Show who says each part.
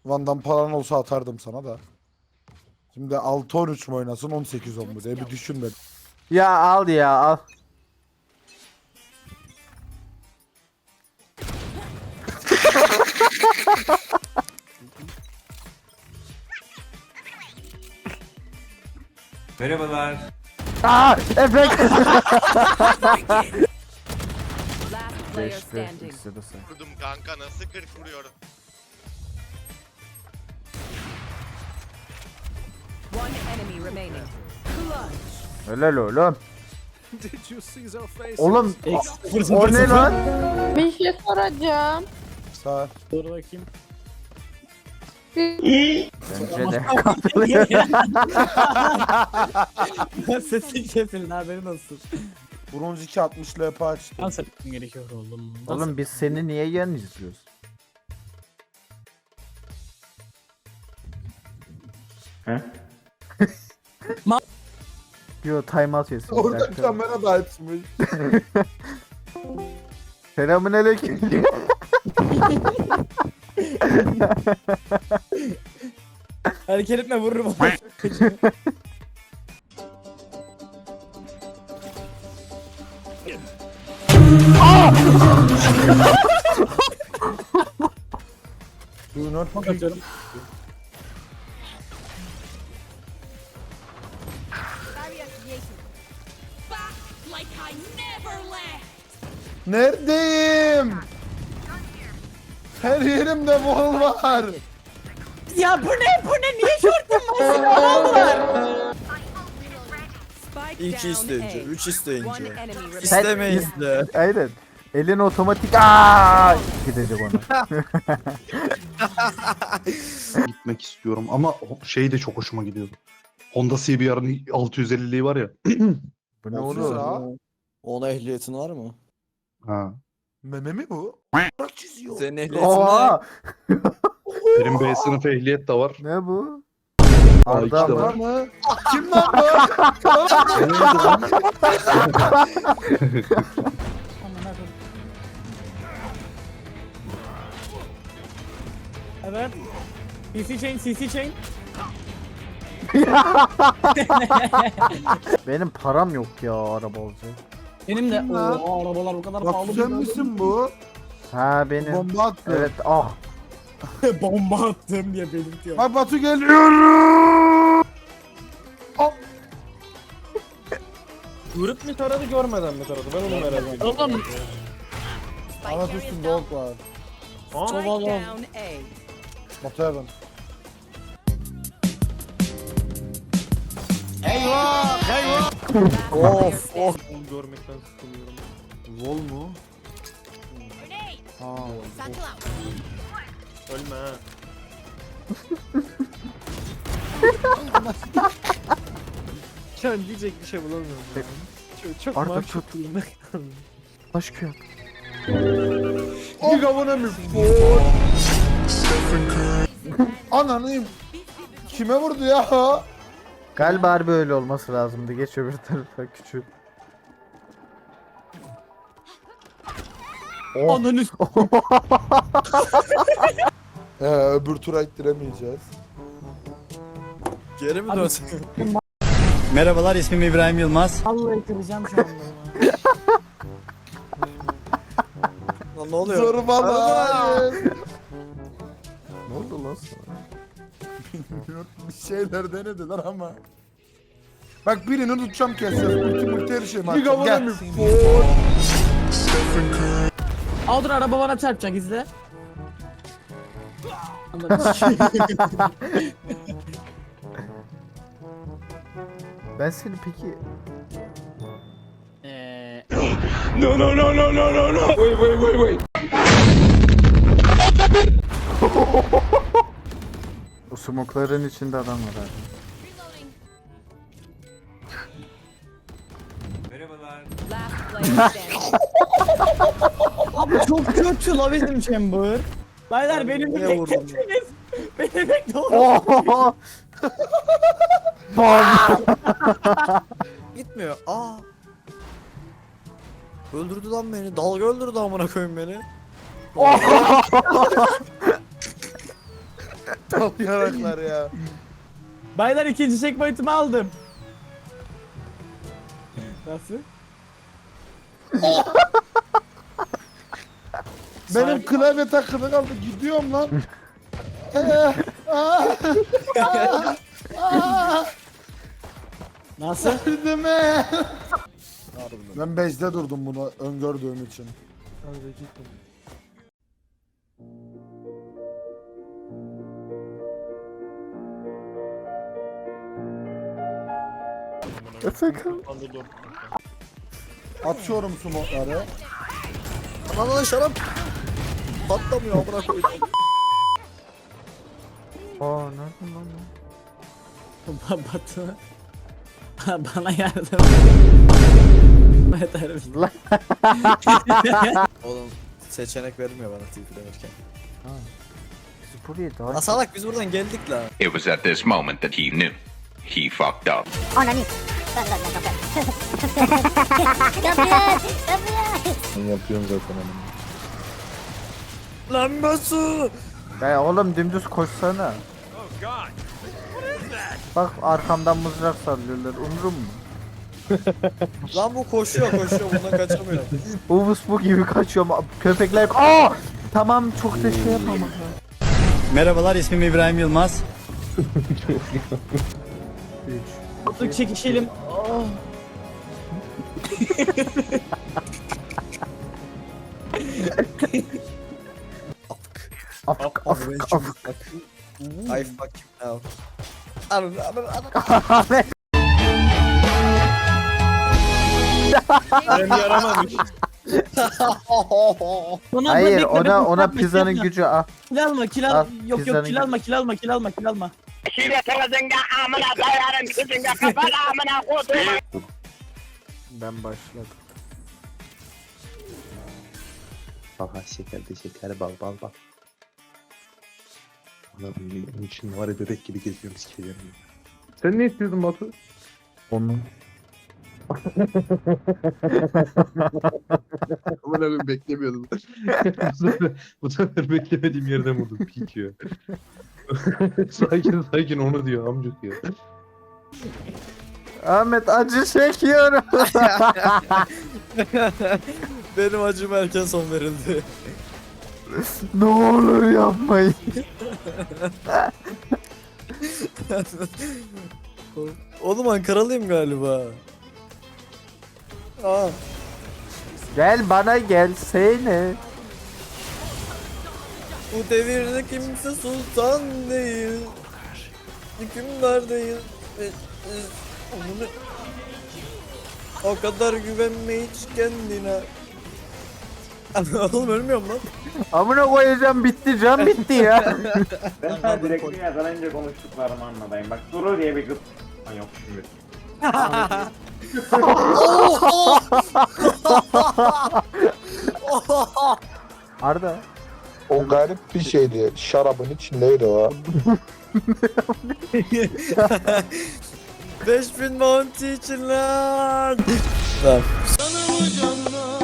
Speaker 1: Van'dan paran olsa atardım sana da. Şimdi 6-13 mu oynasın 18-10 mu diye bir düşün ben.
Speaker 2: Ya al ya al.
Speaker 3: Merhabalar.
Speaker 2: Aa efekt.
Speaker 4: Last player
Speaker 2: Geçti.
Speaker 4: standing.
Speaker 2: İkisi de say.
Speaker 5: Vurdum kanka, nasıl 40 vuruyorum.
Speaker 4: One enemy remaining.
Speaker 2: Helal oğlum. Oğlum o ne lan?
Speaker 6: Bir şey soracağım.
Speaker 1: Sağ.
Speaker 7: Dur bakayım.
Speaker 2: Bence de katılıyor.
Speaker 7: Sesin kesildi, haberin olsun.
Speaker 1: Bronz 2.60 LP açtı.
Speaker 7: Dans etmem gerekiyor oğlum.
Speaker 2: Oğlum biz seni niye yan izliyoruz?
Speaker 3: He?
Speaker 2: Yo timeout yesin. bir
Speaker 1: Orada
Speaker 2: dakika.
Speaker 1: kamera da açmış.
Speaker 2: Selamünaleyküm.
Speaker 7: Hareket etme, vururum.
Speaker 1: Do not
Speaker 7: Bak atıyorum.
Speaker 4: Back like I never left.
Speaker 1: Neredeyim? Her yerimde bol var.
Speaker 7: Ya bu ne? Niye şortum var? Aldılar.
Speaker 4: Spike
Speaker 8: 2
Speaker 4: down
Speaker 8: isteyince,
Speaker 4: A.
Speaker 8: 3
Speaker 4: One
Speaker 8: isteyince.
Speaker 4: enemy remaining.
Speaker 8: İstemeyiz de.
Speaker 2: Aynen. Elin otomatik gidecek ona.
Speaker 9: Gitmek istiyorum ama şey de çok hoşuma gidiyordu. Honda CBR'ın 650'liği var ya.
Speaker 2: Bu ne
Speaker 1: Olsun
Speaker 2: oluyor?
Speaker 1: ha.
Speaker 8: Ona ehliyetin var mı?
Speaker 9: Ha.
Speaker 1: Meme mi bu? Çiziyor.
Speaker 8: Senin ehliyetin ne?
Speaker 2: Oha!
Speaker 9: Benim B sınıf ehliyet de var.
Speaker 2: Ne bu?
Speaker 9: A2
Speaker 2: Arda
Speaker 9: de
Speaker 2: mı?
Speaker 9: var.
Speaker 1: mı? Kim lan bu?
Speaker 7: Evet. CC chain, CC chain.
Speaker 2: Benim param yok ya araba olacak.
Speaker 7: Benim de.
Speaker 1: Kim lan?
Speaker 7: Oo, arabalar bu kadar
Speaker 1: Bak
Speaker 7: pahalı.
Speaker 1: sen misin bu?
Speaker 2: Ha benim.
Speaker 1: Bomba attı.
Speaker 2: Evet ah.
Speaker 7: Bomba attım diye belirtiyor.
Speaker 1: Bak Batu geliyorum.
Speaker 8: Grup mu taradı, görmeden mi taradı? Ben onu merak ediyorum.
Speaker 7: Oğlum.
Speaker 1: Anlat üstünde ok var.
Speaker 4: Spike
Speaker 7: Oğlum.
Speaker 4: down A.
Speaker 1: Batu'ya ben.
Speaker 8: Of of.
Speaker 7: Görmekten sıkılıyorum.
Speaker 1: Vol mu? Ha.
Speaker 7: Ölme ha. Şu an diyecek bir şey bulamıyorum. ya. Çok
Speaker 2: Arda
Speaker 7: mahcup
Speaker 2: tut.
Speaker 7: durumda.
Speaker 2: Aşk yok.
Speaker 1: Bir kavuna mı? Ananıyım. Kime vurdu ya?
Speaker 2: Galiba harbi öyle olması lazımdı. Geç öbür tarafa küçük.
Speaker 7: Ananı
Speaker 1: Öbür tura ittiremeyeceğiz.
Speaker 8: Geri mi
Speaker 7: Abi-
Speaker 8: dönsün?
Speaker 10: Merhabalar, ismim İbrahim Yılmaz.
Speaker 7: Vallahi kıracağım şu anda.
Speaker 8: Lan ne oluyor?
Speaker 1: Zorbalar. Ne oldu lan sana? Bilmiyorum. Bir şeyler denediler ama. Bak birini tutacağım keseceğiz. Multi her şey mi? Gel.
Speaker 7: Al dur, araba bana çarpacak, izle.
Speaker 2: Ben seni peki o smokların içinde adam var abi.
Speaker 3: Merhabalar.
Speaker 4: Last player standing.
Speaker 7: Abi çok kötü la bizim chamber. Baylar beni bir
Speaker 8: Niye vurdun?
Speaker 7: bekletiniz. Beni bekle oğlum.
Speaker 2: Oho! Bam!
Speaker 8: Gitmiyor. Aa. Öldürdü lan beni. Dalga öldürdü amına koyayım beni.
Speaker 1: Aptal yaraklar ya.
Speaker 7: Baylar ikinci checkpoint'imi aldım. Nasıl?
Speaker 1: Benim klavye takılı kaldı. Gidiyorum lan.
Speaker 7: Nasıl?
Speaker 1: Yardım et. Ben bezde durdum bunu öngördüğüm için.
Speaker 2: Efekan.
Speaker 1: Atıyorum smokları.
Speaker 10: Lan şarap patlamıyor amına koydum.
Speaker 2: Aa nereden lan?
Speaker 7: Batı. Bana yardım. Yeter misin?
Speaker 10: Oğlum seçenek vermiyor bana TP demirken.
Speaker 2: Biz buraya daha...
Speaker 10: Lan salak biz buradan geldik la.
Speaker 11: It was at this moment that he knew. He fucked up.
Speaker 6: Ananı.
Speaker 10: Lan Basu.
Speaker 2: Ya oğlum dümdüz koşsana. Bak arkamdan mızrak sallıyorlar. Umurum mu?
Speaker 10: Lan bu koşuyor bundan kaçamıyor.
Speaker 2: Uvus bu gibi kaçıyor ama köpekler... Aa! Tamam çok da şey yapamam.
Speaker 10: Merhabalar ismim İbrahim Yılmaz.
Speaker 7: Batı çekişelim. Oh.
Speaker 2: Afk afk afk.
Speaker 10: I fuck you now. Anam.
Speaker 8: Ben yaramamış.
Speaker 7: Ona
Speaker 2: Hayır
Speaker 7: bekle,
Speaker 2: ona
Speaker 7: bekle,
Speaker 2: pizzanın
Speaker 7: bekle.
Speaker 2: gücü ah.
Speaker 7: Kil alma kil
Speaker 2: Al,
Speaker 7: al. Yok
Speaker 2: pizzanın
Speaker 7: yok kil alma kil alma kil alma kil alma.
Speaker 2: Ben başladım.
Speaker 9: Aha şeker de şeker bal. Onun için var ya bebek gibi geziyorum sikeceğim. Sen ne istiyordun Batu?
Speaker 2: Onun.
Speaker 9: Aman abim beklemiyordum. bu sefer beklemediğim yerden vurdum. Pik ya. sakin onu diyor amcuk ya.
Speaker 2: Ahmet acı çekiyorum.
Speaker 10: Benim acım erken son verildi.
Speaker 2: Ne olur yapmayın.
Speaker 10: Oğlum Ankaralıyım galiba. Aa.
Speaker 2: Gel bana gelsene.
Speaker 10: Bu devirde kimse sultan değil. Hükümdar değil. Onu o kadar güvenme hiç kendine. Oğlum ölmüyorum lan.
Speaker 2: Amına koyacağım bitti can bitti ya.
Speaker 8: Ben sana direkt yakalayınca konuştuklarımı anlatayım. Bak Duru diye bir kız. Ha yok şimdi.
Speaker 2: Arda.
Speaker 1: O garip bir şeydi. Şarabın içindeydi o.
Speaker 10: 5000 bounty için lan. Tamam.